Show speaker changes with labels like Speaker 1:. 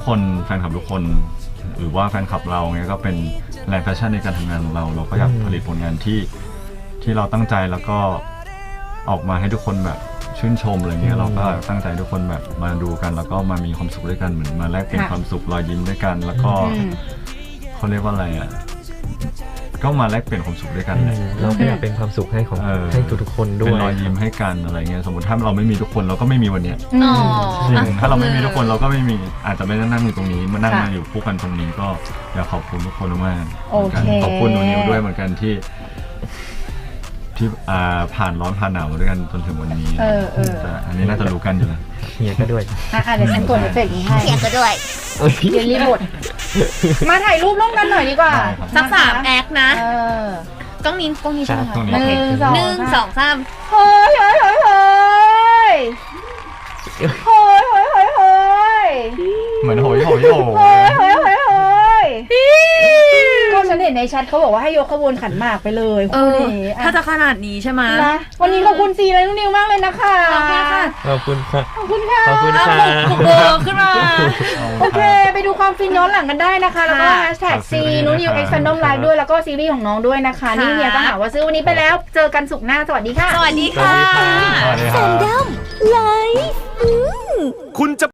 Speaker 1: คนแฟนคลับทุกคนหรือว่าแฟนคลับเราไงก็เป็นแรงแพชชั่นในการทำงานของเราก็อยากผลิตผลงานที่เราตั้งใจแล้วก็ออกมาให้ทุกคนแบบชื่นชมอะไรเงี้ยเราก็ตั้งใจทุกคนแบบมาดูกันแล้วก็มามีความสุขด้วยกันเหมือนมาแลกเปลี่ยนความสุขรอยยิ้มด้วยกันแล้วก็เขาเรียกว่าอะไรอ่ะก็มาแลกเปลี่ยนความสุขด้วยกันเลย
Speaker 2: เราก็อยากเป็นความสุขให้ของให้ทุกๆคนด้วย
Speaker 1: เป็นรอยยิ้มให้กันอะไรเงี้ยสมมติถ้าเราไม่มีทุกคนเราก็ไม่มีวันเนี้ยจริงถ้าเราไม่มีทุกคนเราก็ไม่มีอาจจะไม่ได้นั่งอยู่ตรงนี้มานั่งมาอยู่คู่กันตรงนี้ก็อยากขอบคุณทุกคนมากขอบคุณหนูนิวด้วยเหมือนกันที่ผ่านร้อนผ่านหนาวมาด้วยกันจนถึงวันนี้แต่อันนี้น่าจะรู้กันอยู่แล้ว
Speaker 2: เฮียก็ด้วย
Speaker 3: เดี๋ยวฉันกดเอฟเฟกต์นี้ให้
Speaker 4: เฮียก็ด้วย
Speaker 3: เดี๋ยวรีบดมาถ่ายรูปร่วมกันหน่อยดีกว่า
Speaker 4: สัก3 แอคนะกล้องนี้ใช่ไหมคะ1 2 3
Speaker 3: เฮ้ย
Speaker 1: เหมือนโหย
Speaker 3: ก็ฉันเห็นในแชทเขาบอกว่าให้ยกขบวนขันหมากไปเลย
Speaker 4: ถ้าจะขนาดนี้ใช่ไหม
Speaker 3: วันนี้ขอบคุณซีและนุ่นนิวมากเลยนะคะ
Speaker 2: ขอบคุณค่ะ
Speaker 3: ขอบคุณค่ะ
Speaker 4: บุกเบอร์ขึ้นมา
Speaker 3: โอเคไปดูความฟินย้อนหลังกันได้นะคะแล้วก็แฮชแท็กซีนุ่นนิวX Fandom Live ด้วยแล้วก็ซีรีส์ของน้องด้วยนะคะนี่เฮียก็หาว่าซื้อวันนี้ไปแล้วเจอกันศุกร์หน้าสวัสดีค่ะ
Speaker 4: สวัสดีค่ะ
Speaker 1: Fandom Live คุณจะ